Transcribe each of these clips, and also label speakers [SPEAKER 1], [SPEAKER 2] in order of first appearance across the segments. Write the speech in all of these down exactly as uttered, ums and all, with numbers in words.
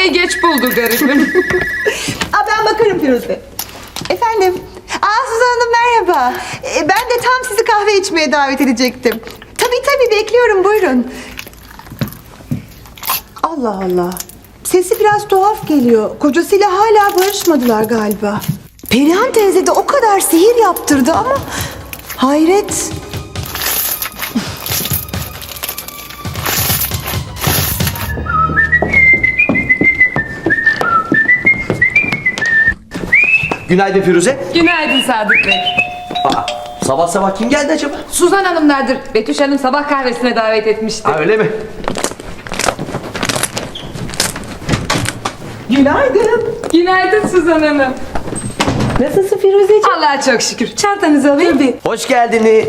[SPEAKER 1] kahveyi geç buldu garibim.
[SPEAKER 2] Aa, ben bakarım Firuze. Efendim? Aa, Suzan Hanım merhaba. Ee, ben de tam sizi kahve içmeye davet edecektim. Tabii tabii bekliyorum, buyurun. Allah Allah. Sesi biraz tuhaf geliyor. Kocasıyla hala barışmadılar galiba. Perihan teyze de o kadar sihir yaptırdı ama... Hayret.
[SPEAKER 3] Günaydın Firuze.
[SPEAKER 1] Günaydın Sadık Bey.
[SPEAKER 3] Aa, sabah sabah kim geldi acaba?
[SPEAKER 1] Suzan Hanımlardır. Betüş Hanım sabah kahvesine davet etmişti.
[SPEAKER 3] Ha, öyle mi?
[SPEAKER 2] Günaydın.
[SPEAKER 1] Günaydın Suzan Hanım.
[SPEAKER 2] Nasılsın Firuzeciğim?
[SPEAKER 1] Allah'a çok şükür. Çantanızı alayım.
[SPEAKER 2] Tabii.
[SPEAKER 3] Hoş geldiniz.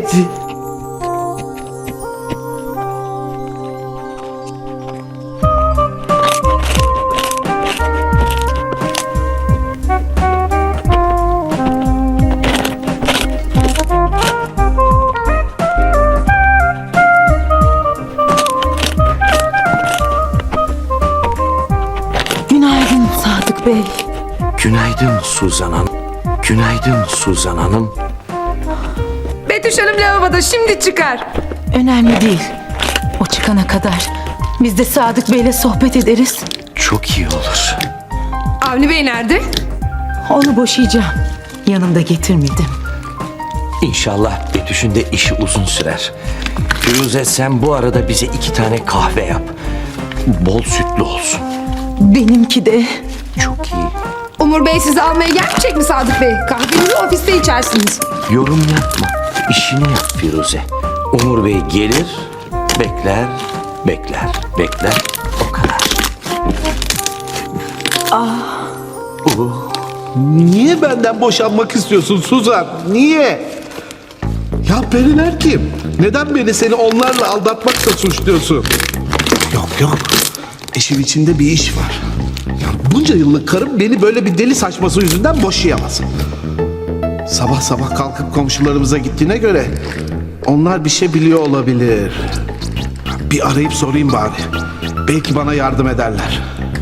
[SPEAKER 2] Günaydın Sadık Bey.
[SPEAKER 4] Günaydın Suzan Hanım. Günaydın Suzan Hanım.
[SPEAKER 1] Betüş Hanım lavaboda, şimdi çıkar.
[SPEAKER 5] Önemli değil. O çıkana kadar biz de Sadık Bey'le sohbet ederiz.
[SPEAKER 4] Çok iyi olur.
[SPEAKER 1] Avni Bey nerede?
[SPEAKER 5] Onu boşayacağım. Yanımda getirmedim.
[SPEAKER 4] İnşallah Betüş'ün de işi uzun sürer. Firuze, sen bu arada bize iki tane kahve yap. Bol sütlü olsun.
[SPEAKER 5] Benimki de.
[SPEAKER 4] Çok iyi.
[SPEAKER 1] Umur Bey sizi almaya gelmeyecek mi Sadık Bey? Kahvenizi ofiste içersiniz.
[SPEAKER 4] Yorum yapma. İşini yap Firuze. Umur Bey gelir, bekler, bekler, bekler. O kadar.
[SPEAKER 6] Niye benden boşanmak istiyorsun Suzan? Niye? Ya periler kim? Neden beni seni onlarla aldatmakla suçluyorsun? Yok yok. İşin içinde bir iş var. Ya bunca yıllık karım beni böyle bir deli saçması yüzünden boşayamaz. Sabah sabah kalkıp komşularımıza gittiğine göre onlar bir şey biliyor olabilir. Bir arayıp sorayım bari. Belki bana yardım ederler.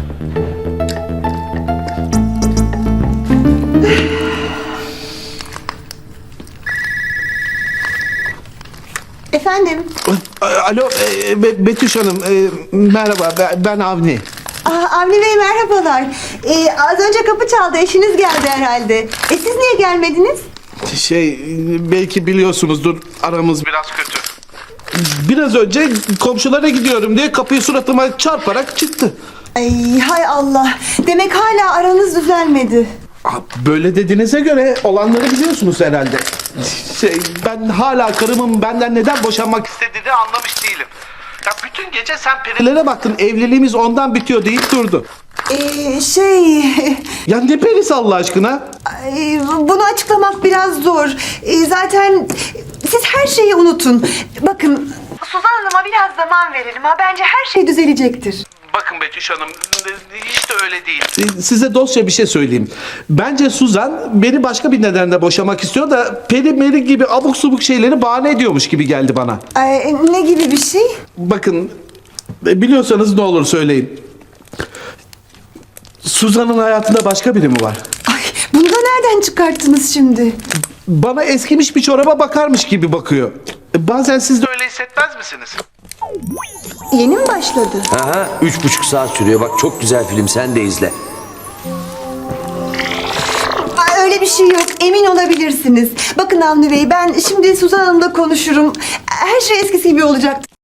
[SPEAKER 2] Efendim?
[SPEAKER 6] Alo e, Be- Betüş Hanım, e, merhaba, ben, ben Avni.
[SPEAKER 2] Aa, Avni Bey merhabalar. Ee, az önce kapı çaldı, eşiniz geldi herhalde. E siz niye gelmediniz?
[SPEAKER 6] Şey, belki biliyorsunuzdur, aramız biraz kötü. Biraz önce komşulara gidiyorum diye kapıyı suratıma çarparak çıktı.
[SPEAKER 2] Ay hay Allah. Demek hala aranız düzelmedi.
[SPEAKER 6] Aa, Böyle dediğinize göre olanları biliyorsunuz herhalde. Şey, ben hala karımın benden neden boşanmak istediğini anlamış değilim. Ya bütün gece sen perilere baktın, evliliğimiz ondan bitiyor deyip durdu.
[SPEAKER 2] Ee, şey...
[SPEAKER 6] Ya ne perisi Allah aşkına?
[SPEAKER 2] Ay, bunu açıklamak biraz zor. Ee, zaten siz her şeyi unutun. Bakın... Suzan Hanım'a biraz zaman verelim ha. Bence her şey düzelecektir.
[SPEAKER 6] Bakın Betüş Hanım, hiç de öyle değil. Size dostça bir şey söyleyeyim. Bence Suzan beni başka bir nedenle boşamak istiyor da peri meri gibi abuk subuk şeyleri bahane ediyormuş gibi geldi bana.
[SPEAKER 2] Ay, ne gibi bir şey?
[SPEAKER 6] Bakın, biliyorsanız ne olur söyleyin. Suzan'ın hayatında başka biri mi var?
[SPEAKER 2] Ay, bunu da nereden çıkarttınız şimdi?
[SPEAKER 6] Bana eskimiş bir çoraba bakarmış gibi bakıyor. Bazen siz de öyle hissetmez misiniz?
[SPEAKER 2] Yeni mi başladı?
[SPEAKER 4] Aha, üç buçuk saat sürüyor. Bak, çok güzel film, sen de izle.
[SPEAKER 2] Ay, öyle bir şey yok. Emin olabilirsiniz. Bakın Avni Bey, ben şimdi Suzan Hanım'la konuşurum. Her şey eskisi gibi olacak.